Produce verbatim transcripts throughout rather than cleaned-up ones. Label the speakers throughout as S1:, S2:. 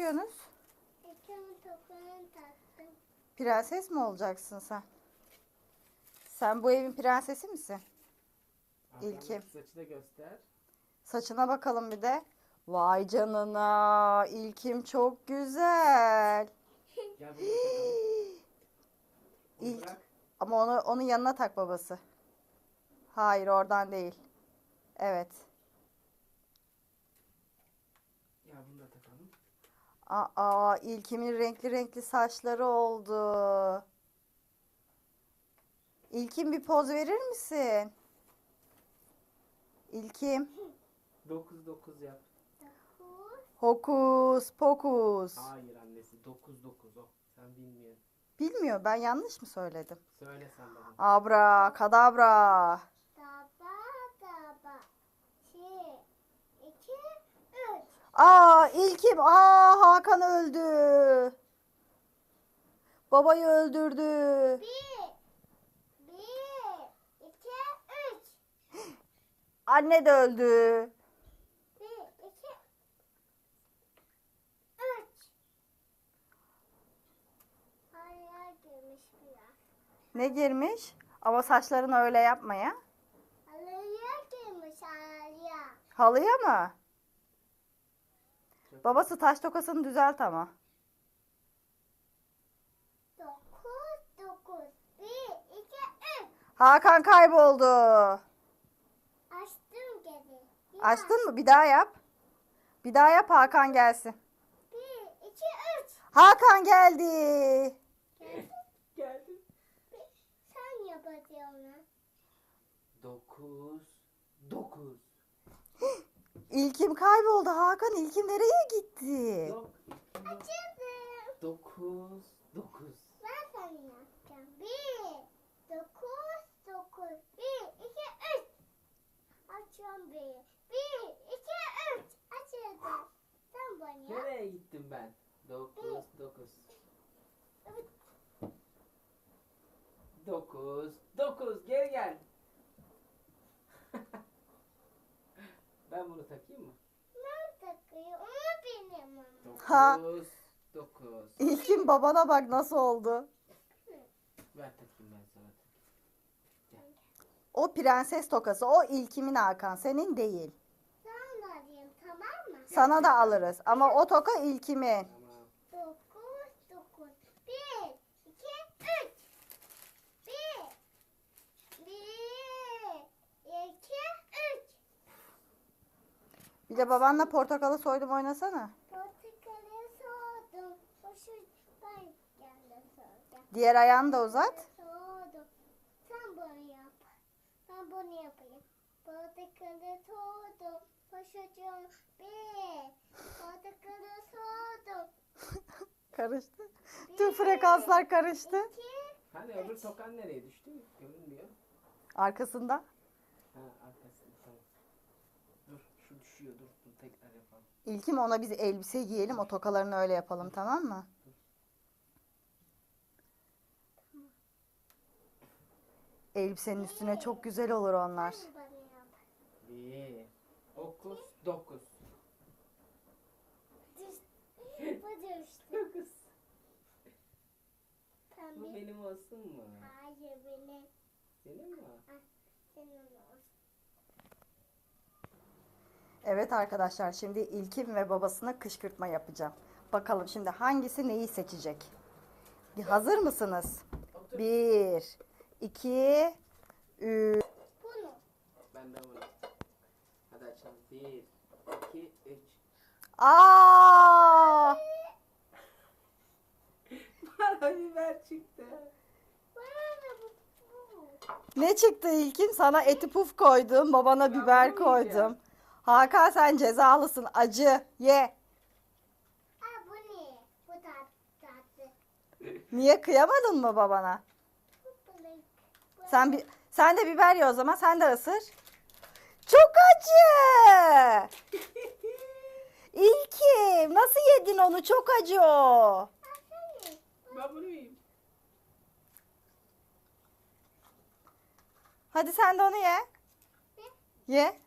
S1: yapıyorsunuz?
S2: İlkimin topuğunu taktım.
S1: Prenses mi olacaksın sen? Sen bu evin prensesi misin? İlkim.
S3: Saçı da göster.
S1: Saçına bakalım bir de. Vay canına. İlkim çok güzel.
S3: Gel bunu takalım. Onu
S1: İlk.
S3: bırak.
S1: Ama onu onun yanına tak babası. Hayır, oradan değil. Evet.
S3: Ya bunu da takalım.
S1: Aa, İlkim'in renkli renkli saçları oldu. İlkim, bir poz verir misin? İlkim.
S3: dokuz dokuz yap.
S2: Dokuz.
S1: Hokus pokus.
S3: Hayır annesi dokuz dokuz o. Sen bilmiyorsun.
S1: Bilmiyor, ben yanlış mı söyledim?
S3: Söyle sen bana.
S1: Abra kadabra.
S2: Daba daba. Bir. İki. Üç.
S1: Aa, İlkim. Aa, Hakan öldü. Babayı öldürdü.
S2: Bir. Bir. İki. Üç.
S1: Anne de öldü.
S2: Bir. İki. Üç. Hayal girmiş biraz.
S1: Ne girmiş? Ama saçlarını öyle yapma ya.
S2: Halıya girmiş halıya.
S1: Halıya mı?
S3: Çok
S1: Babası taş tokasını düzelt ama.
S2: Dokuz. Dokuz. Bir. İki. Üç.
S1: Hakan kayboldu.
S2: Açtım geri. Bir
S1: Açtın mı? Bir daha yap. Bir daha yap, Hakan gelsin.
S2: Bir. İki. Üç.
S1: Hakan geldi.
S2: Geldi.
S3: Geldim.
S2: Sen yapacaksın.
S3: dokuz dokuz.
S1: İlkim kayboldu. Hakan, İlkim nereye gitti?
S3: Yok.
S2: Açıldım.
S3: dokuz dokuz.
S2: Ben sana yapacağım. Bir. Dokuz. Dokuz. Bir. İki. Üç. Açıyorum bir. Bir. İki. Üç. Açıldı. Sen bana yap.
S3: Nereye gittim ben? dokuz dokuz. dokuz dokuz. Geri gel. Ben bunu takayım mı?
S2: Ben takıyor. Onu benim ama.
S1: Ha.
S3: dokuz dokuz.
S1: İlkim, babana bak nasıl oldu.
S3: Ver takayım ben sana.
S1: O prenses tokası. O İlkim'in, Hakan. Senin değil.
S2: Sen de alayım, tamam mı?
S1: Sana da alırız. Ama o toka İlkim'in.
S3: Tamam.
S2: Dokuz. Dokuz. Bir. İki. Üç. Bir. Bir. İki. Üç.
S1: Bir de babanla portakalı soydum oynasana.
S2: Portakalı soğudum. Hoşu ben geldim sonra.
S1: Diğer ayağını da uzat.
S2: Soğudum. Sen bunu yap. Ben bunu yapayım. Portakalı soğudum. Hoşucum bir. Portakalı soğudum.
S1: Karıştı. Tüm frekanslar karıştı.
S2: İki.
S3: Hani öbür tokan nereye düştü? Görünmüyor.
S1: Arkasında.
S3: Ha arkasında tamam. Dur şu düşüyor dur dur tekrar yapalım.
S1: İlkim, ona biz elbise giyelim. O tokalarını öyle yapalım, tamam mı? Elbisenin üstüne çok güzel olur onlar.
S2: Sen bana yap.
S3: Bir. Dokuz dokuz.
S2: Düş. Bu düştü.
S3: Dokuz. Bu
S2: Pembe.
S3: benim olsun mu?
S2: Hayır benim.
S3: Senin mi?
S2: Senin olsun.
S1: Evet arkadaşlar, şimdi İlkim ve babasına kışkırtma yapacağım. Bakalım şimdi hangisi neyi seçecek? Bir hazır mısınız?
S3: Otur.
S1: Bir, iki, üç.
S2: Bunu.
S3: Ben de bunu. Hadi açalım. Bir, iki, üç.
S1: Aa!
S3: Bana biber çıktı.
S2: Bana da bu. bu.
S1: Ne çıktı İlkim? Sana eti puf koydum, babana
S3: Ben
S1: biber
S3: bunu yiyeceğim.
S1: koydum. Hakan, sen cezalısın. Acı, ye.
S2: Aa bu ne? Bu tat, tatlı.
S1: Niye, kıyamadın mı babana?
S2: Bu balık. Bu
S1: Sen bir sen de biber ye o zaman. Sen de ısır. Çok acı. İlkim, nasıl yedin onu? Çok acı o.
S2: Aa, sen ye.
S3: Ben bunu yiyeyim.
S1: Hadi sen de onu ye. Ye.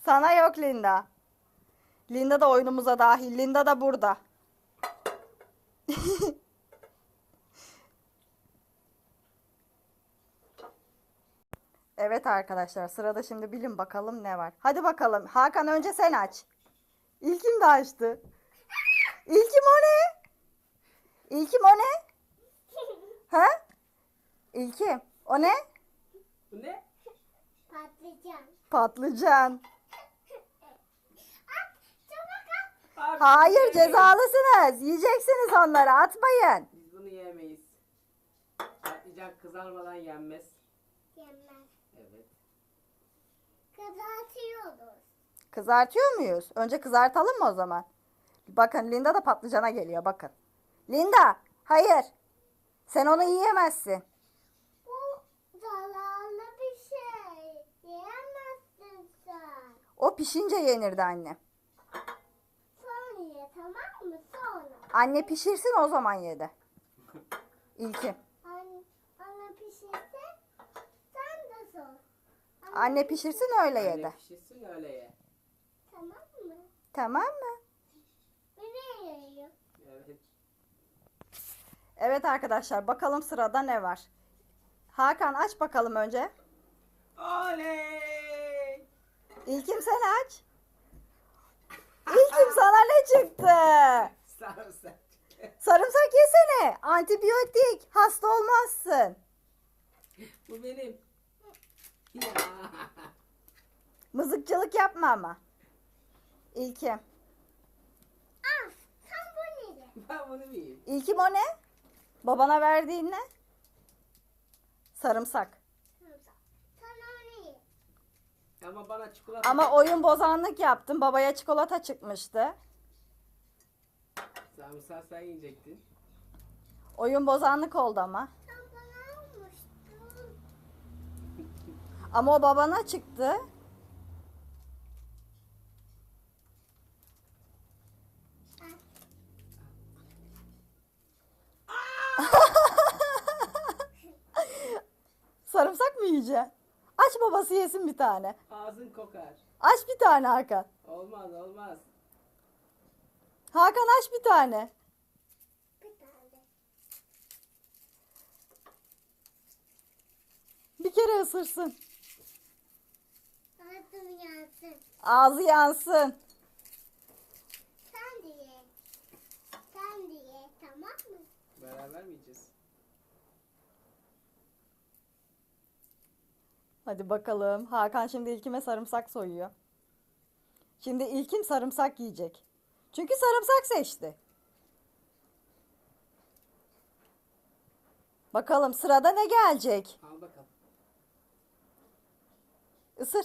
S1: Sana yok Linda. Linda da oyunumuza dahil. Linda da burada. Evet arkadaşlar, sırada şimdi bilin bakalım ne var. Hadi bakalım. Hakan önce sen aç. İlkim de açtı. İlkim o ne? İlkim o ne? Ha? İlkim o ne?
S3: Bu ne?
S2: Patlıcan.
S1: Patlıcan.
S2: At. Çabuk at.
S3: Abi,
S1: Hayır,
S3: yemeyiz.
S1: cezalısınız. Yiyeceksiniz onları, atmayın.
S3: Biz bunu yemeyiz. Patlıcan kızarmadan yenmez.
S2: Yemez.
S3: Evet.
S2: Kızartıyoruz.
S1: Kızartıyor muyuz? Önce kızartalım mı o zaman? Bakın Linda da patlıcana geliyor, bakın. Linda, hayır. Sen onu yiyemezsin.
S2: Bu zararlı bir şey. Yiyemezsin sen.
S1: O pişince yenirdi anne.
S2: Sonra ye, tamam mı? Sonra.
S1: Anne pişirsin, o zaman yedi. İlkim.
S2: Anne, anne pişirse sen de sor.
S1: Anne pişirsin, öyle
S3: Anne
S1: yedi.
S3: pişirsin öyle ye.
S2: Tamam mı?
S1: Tamam mı?
S2: Beni yiyor.
S3: Evet.
S1: Evet arkadaşlar, bakalım sırada ne var. Hakan aç bakalım önce.
S3: Oley!
S1: İlkim sen aç. İlkim sana ne çıktı?
S3: Sarımsak.
S1: Sarımsak yesene. Antibiyotik. Hasta olmazsın.
S3: Bu benim. Ya.
S1: Mızıkçılık yapma ama. İlkim.
S2: Al, sen bunu ye.
S3: Ben bunu yiyeyim.
S1: İlkim o ne? Babana verdiğin ne? Sarımsak.
S2: Sen onu ye.
S3: Ama bana çikolata...
S1: Ama oyun bozanlık yaptın. Babaya çikolata çıkmıştı.
S3: Sarımsak sen yiyecektin.
S1: Oyun bozanlık oldu ama.
S2: Sen bana almıştın.
S1: Ama o babana çıktı. Sarımsak mı yiyeceksin? Aç, babası yesin bir tane.
S3: Ağzın kokar.
S1: Aç bir tane Hakan.
S3: Olmaz olmaz.
S1: Hakan aç bir tane.
S2: Bir tane.
S1: Bir kere ısırsın.
S2: Ağzım yansın.
S1: Ağzı yansın.
S2: Sen de ye. Sen de ye, tamam mı?
S3: Beraber mi yiyeceğiz?
S1: Hadi bakalım. Hakan şimdi İlkim'e sarımsak soyuyor. Şimdi İlkim sarımsak yiyecek. Çünkü sarımsak seçti. Bakalım sırada ne gelecek?
S3: Al bakalım.
S1: Isır.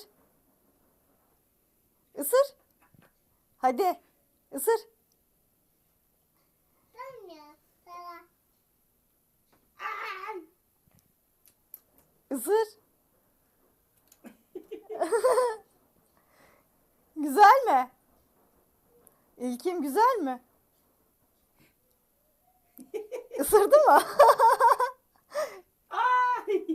S1: Isır. Hadi. Isır.
S2: Sen ye. Sana.
S1: Isır. Güzel mi? İlkim güzel mi? Isırdı mı?
S3: Ay!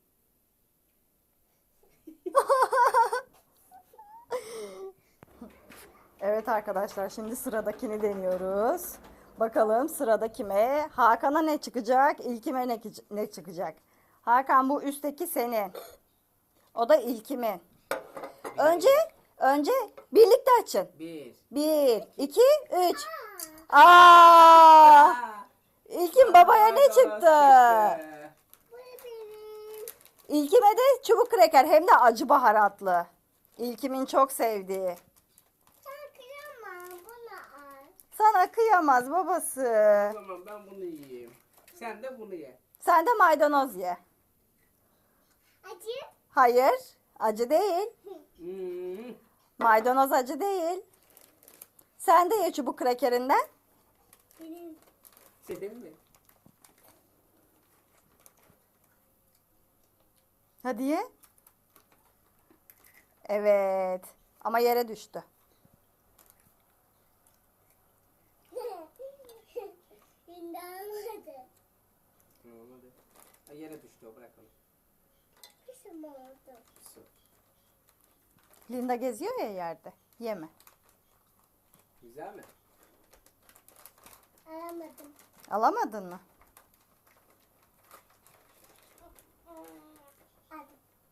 S1: Evet arkadaşlar, şimdi sıradakini deniyoruz. Bakalım sırada kime? Hakan'a ne çıkacak? İlkim'e ne, ne çıkacak? Hakan, bu üstteki senin. O da İlkim'in. Önce önce birlikte açın.
S3: Bir.
S1: Bir, iki, üç. Aa!
S3: Aa!
S1: İlkim babaya ne
S3: Maydanoz
S1: çıktı?
S2: Bu benim.
S1: İlkim'e de çubuk kreker, hem de acı baharatlı. İlkim'in çok sevdiği.
S2: Sen kıyamam. Bunu al.
S1: Sana kıyamaz babası.
S3: Tamam ben bunu yiyeyim. Sen de bunu ye.
S1: Sen de maydanoz ye.
S2: Acı.
S1: Hayır, acı değil.
S3: Hmm.
S1: Maydanoz acı değil. Sen de ye çubuk krekerinden.
S2: Benim.
S3: Senin mi?
S1: Hadi ye. Evet. Ama yere düştü.
S2: Şimdi almadı.
S3: Tamam hadi. Ha, yere düştü o, bırak onu.
S2: Kışım oldu.
S3: Su.
S1: Linda geziyor ya yerde. Yeme.
S3: Güzel mi?
S2: Alamadım.
S1: Alamadın mı?
S2: Hadi.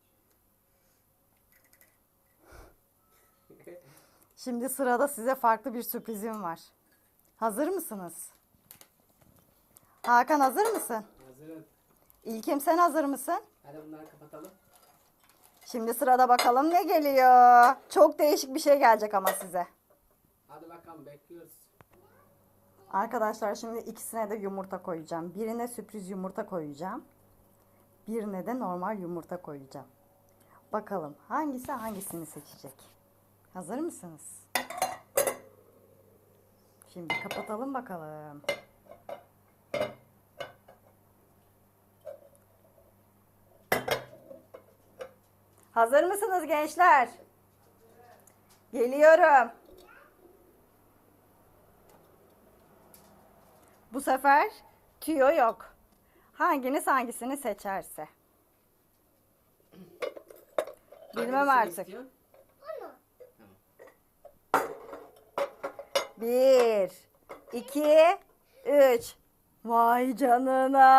S1: Şimdi sırada size farklı bir sürprizim var. Hazır mısınız? Hakan hazır mısın?
S3: Hazırım.
S1: İlkim sen hazır mısın?
S3: Hadi bunları kapatalım.
S1: Şimdi sırada bakalım ne geliyor. Çok değişik bir şey gelecek ama size.
S3: Hadi bakalım bekliyoruz.
S1: Arkadaşlar şimdi ikisine de yumurta koyacağım. Birine sürpriz yumurta koyacağım. Birine de normal yumurta koyacağım. Bakalım hangisi hangisini seçecek? Hazır mısınız? Şimdi kapatalım bakalım. Hazır mısınız gençler? Geliyorum. Bu sefer tüyo yok. Hanginiz hangisini seçerse. Bilmem
S3: Hangisini
S1: artık.
S3: istiyorsun?
S2: Onu.
S1: Bir, iki, üç. Vay canına.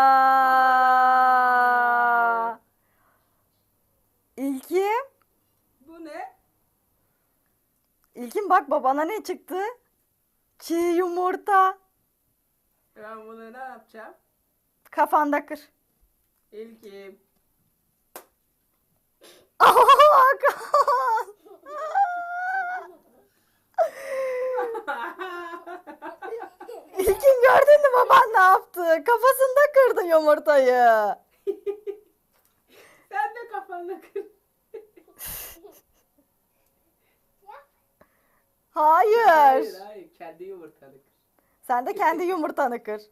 S1: İlkim.
S3: Bu ne?
S1: İlkim bak babana ne çıktı? Çiğ yumurta.
S3: Ben bunu ne yapacağım?
S1: Kafanda kır.
S3: İlkim.
S1: Hakan. İlkim gördün mü baban ne yaptı? Kafasında kırdı yumurtayı.
S3: Sen de kafanla kır.
S1: Hayır.
S3: Hayır hayır. Kendi yumurtanı kır.
S1: Sen de kendi yumurtanı kır.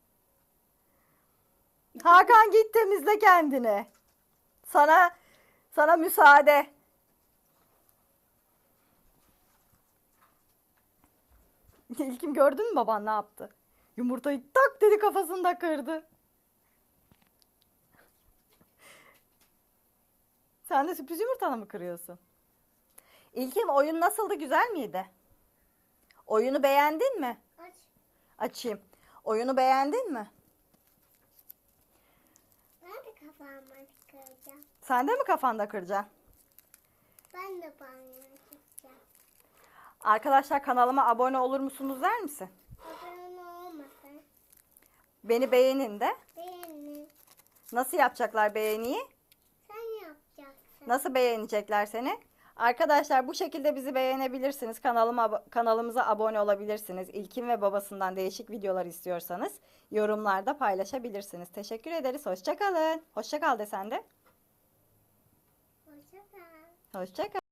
S1: Hakan git temizle kendini. Sana sana müsaade. İlkim gördün mü baban ne yaptı? Yumurtayı tak dedi kafasında kırdı. Sen de sürpriz yumurtanı mı kırıyorsun? İlkim oyun nasıldı, güzel miydi? Oyunu beğendin mi?
S2: Aç.
S1: Açayım. Oyunu beğendin mi?
S2: Ben de kafamı çıkaracağım.
S1: Sen de mi kafanda kıracaksın?
S2: Ben de banyoya çıkacağım.
S1: Arkadaşlar kanalıma abone olur musunuz der misin?
S2: Abone olmasın.
S1: Beni beğenin de.
S2: Beğenin.
S1: Nasıl yapacaklar beğeniyi?
S2: Sen yapacaksın.
S1: Nasıl beğenecekler seni? Arkadaşlar bu şekilde bizi beğenebilirsiniz. Kanalıma kanalımıza abone olabilirsiniz. İlkin ve babasından değişik videolar istiyorsanız yorumlarda paylaşabilirsiniz. Teşekkür ederiz. Hoşça kalın. Hoşça kal de sen de.
S2: Hoşça kal.
S1: Hoşça kal.